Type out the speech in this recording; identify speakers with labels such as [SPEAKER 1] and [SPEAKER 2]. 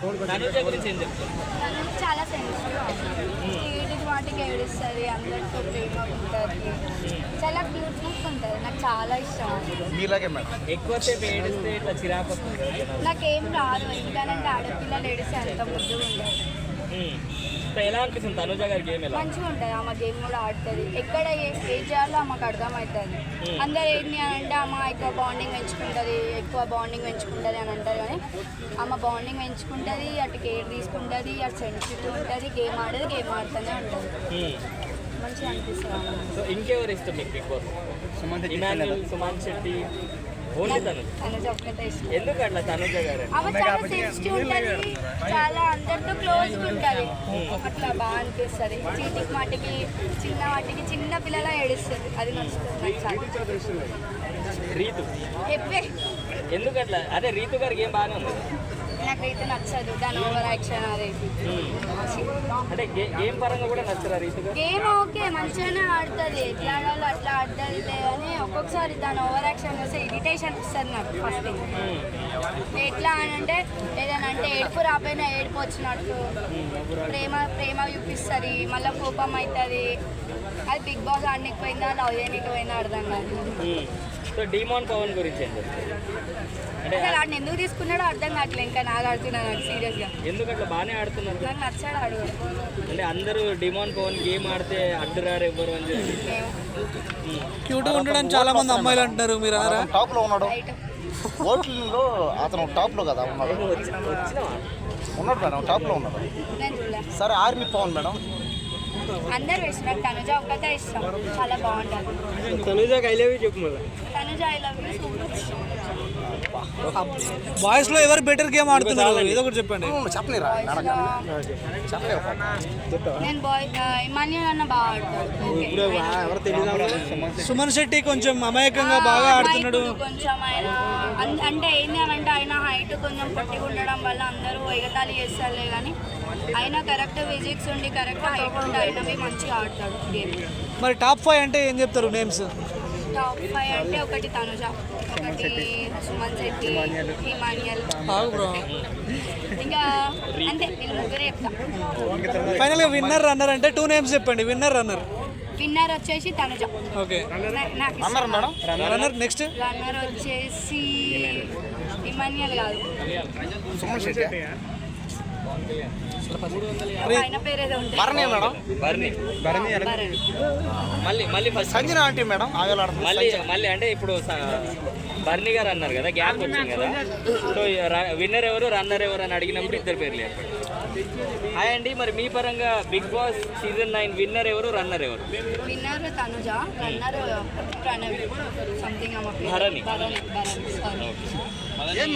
[SPEAKER 1] తనుజ గురించి ఏం చెప్తారు?
[SPEAKER 2] తను చాలా సెన్సిటివ్, ఏడికి వాటికి ఏడుస్తుంది, అందరితో ప్రేమ ఉంటుంది, చాలా క్యూట్నెస్ ఉంటుంది. నాకు చాలా ఇష్టం.
[SPEAKER 3] మీలాగే మేడం.
[SPEAKER 1] ఎక్కువసేపు ఏడిస్తే ఇట్లా చిరాకు వస్తుంది కదా?
[SPEAKER 2] నాకేం రాదు, ఎందుకంటే ఆడపిల్లలు ఏడిస్తే అంత ముద్దుగా ఉంటుంది.
[SPEAKER 1] ఎలా అనిపిస్తుంది తనుజ గారి గేమ్? ఎలా
[SPEAKER 2] మంచిగా ఉంటుంది. ఆమె గేమ్ కూడా ఆడుతుంది. ఎక్కడ ఏం చేయాలో ఆమెకు అర్థమవుతుంది. అందరు ఏంటి అని అంటే అమ్మ ఎక్కువ బాండింగ్ పెంచుకుంటుంది అని అంటారు, కానీ ఆమె బాండింగ్ పెంచుకుంటుంది, అటు కేర్ తీసుకుంటుంది, అటు సెన్సిటివ్ ఉంటుంది, గేమ్ ఆడుతూనే ఉంటుంది. మంచిగా అనిపిస్తుంది ఆమె.
[SPEAKER 1] సో ఇంకెవరు ఇష్టం మీకు Bigg Boss? Emmanuel, Suman Shetty, only
[SPEAKER 2] Tanuja ఒక్కటే ఇష్టం.
[SPEAKER 1] ఎందుకు అట్లా తనుజ గారు?
[SPEAKER 2] ఆమె చాలా సెన్సిటివ్ ఉంటుంది, చాలా అందరితో క్లోజ్గా ఉంటుంది. అట్లా బాగా అనిపిస్తుంది. చీటికి మాటికి చిన్న పిల్లల ఏడుస్తుంది, అది నచ్చుతుంది నాకు చాలా.
[SPEAKER 1] రీతు
[SPEAKER 2] చెప్పే
[SPEAKER 1] ఎందుకు అట్లా? అదే రీతు గారి గేమ్ బాగానే ఉంది.
[SPEAKER 2] నాకైతే నచ్చదు దాని ఓవర్ యాక్షన్. అది
[SPEAKER 1] అంటే గేమ్ పరంగా కూడా నచ్చరా రీతు గారు?
[SPEAKER 2] గేమ్ ఓకే, మంచిగానే ఆడుతుంది, ఎట్లా ఆడాలో అట్లా ఆడుతుంది కానీ ఒక్కొక్కసారి దాని ఓవర్ యాక్షన్ వస్తే ఇరిటేషన్ వస్తుంది నాకు. ఫస్ట్ ఎట్లా అని అంటే ఏదైనా అంటే ఏడుపు రాపోయినా ఏడుపు వచ్చినట్టు ప్రేమ చూపిస్తుంది, మళ్ళీ కోపం అవుతుంది. అది బిగ్ బాస్ ఆడనికి పోయిందా లవ్ చేయడానికి పోయిందా అర్థం కాదు.
[SPEAKER 1] సో డిమాన్ పవన్ గురించి ఏం చెప్తారు? అంటే
[SPEAKER 2] అసలు ఆడిని ఎందుకు తీసుకున్నాడో అర్థం కావట్లేదు. ఇంకా నాకు ఆడుతున్నాను నాకు సీరియస్గా.
[SPEAKER 1] ఎందుకు అట్లా బాగానే ఆడుతున్నారు?
[SPEAKER 2] నాకు నచ్చాడు ఆడు.
[SPEAKER 1] అంటే అందరూ డిమాన్ పవన్ గేమ్ ఆడితే అడ్డురారు ఎవ్వరు అని చెప్పి
[SPEAKER 4] క్యూట్గా ఉండడం చాలా మంది అమ్మాయిలు అంటున్నారు, మీరు అన్నారా?
[SPEAKER 3] టాప్ లో ఉన్నాడు,
[SPEAKER 2] రైట్.
[SPEAKER 3] ఓట్లలో అతను టాప్ లో కదా ఉన్నాడు. ఉన్నాడు మేడం, టాప్ లో ఉన్నాడు.
[SPEAKER 2] నేను చూడలే.
[SPEAKER 3] సరే ఆర్మీ పవన్ మేడం.
[SPEAKER 2] అందరు ఇష్టం, తనుజ ఒక్కటే ఇష్టం, చాలా బాగుంటుంది.
[SPEAKER 1] తనుజకి ఐ లవ్ యూ చెప్పు మళ్ళీ.
[SPEAKER 2] Tanuja I love you super.
[SPEAKER 4] Boys లో ఎవరు బెటర్ గేమ్ ఆడుతున్నారు ఏదో ఒకటి చెప్పండి.
[SPEAKER 3] చెప్పలేరా చెప్పలేరు.
[SPEAKER 2] నేను ఇమాన్యుల్ అన్న బాగా ఆడతాడు.
[SPEAKER 4] సుమన్ శెట్టి కొంచెం అమాయకంగా బాగా ఆడుతున్నాడు.
[SPEAKER 2] కొంచెం ఆయన అంటే ఏంటి అని అంటే ఆయన హైట్ కొంచెం పొట్టిగా ఉండడం వల్ల అందరూ ఎగతాళి చేస్తారులే, కానీ ఆయన కరెక్ట్ ఫిజిక్స్ ఉండి కరెక్ట్ హైట్ ఉండి అయినవి మంచిగా ఆడతాడు గేమ్.
[SPEAKER 4] మరి టాప్ 5 అంటే ఏం చెప్తారు నేమ్స్?
[SPEAKER 2] టాప్ 5 అంటే ఒకటి తనుజ, ఒకటి సుమన్ శెట్టి, ఇమాన్యుల్, ఇంకా అంతే వీళ్ళు ముగ్గురే చెప్తా.
[SPEAKER 4] ఫైనల్ గా విన్నర్ రన్నర్ అంటే 2 నేమ్స్ చెప్పండి. విన్నర్
[SPEAKER 2] వచ్చేసి తనుజ.
[SPEAKER 4] ఓకే.
[SPEAKER 3] అన్నారు మేడం.
[SPEAKER 4] రన్నర్ నెక్స్ట్
[SPEAKER 2] రన్నర్ వచ్చేసి ఇమాన్యుల్ కాదు,
[SPEAKER 3] సుమన్ శెట్టి.
[SPEAKER 2] ఆయన పేరేదో ఉంటుంది.
[SPEAKER 3] భరణి మేడం.
[SPEAKER 1] మళ్ళీ ఫస్ట్
[SPEAKER 3] సంజన ఆంటీ మేడం.
[SPEAKER 1] మళ్ళీ అంటే ఇప్పుడు బర్నీ గారు అన్నారు కదా, గ్యాప్ వచ్చింది కదా. సో విన్నర్ ఎవరు రన్నర్ ఎవరు అని అడిగినప్పుడు ఇద్దరు పేర్లు చెప్పండి. హాయ్ అండి, మరి మీ పరంగా బిగ్ బాస్ సీజన్ 9 విన్నర్ ఎవరు రన్నర్ ఎవరు?
[SPEAKER 2] Winner Tanuja, runner Pranavi something.
[SPEAKER 1] Bharani.
[SPEAKER 2] Sorry.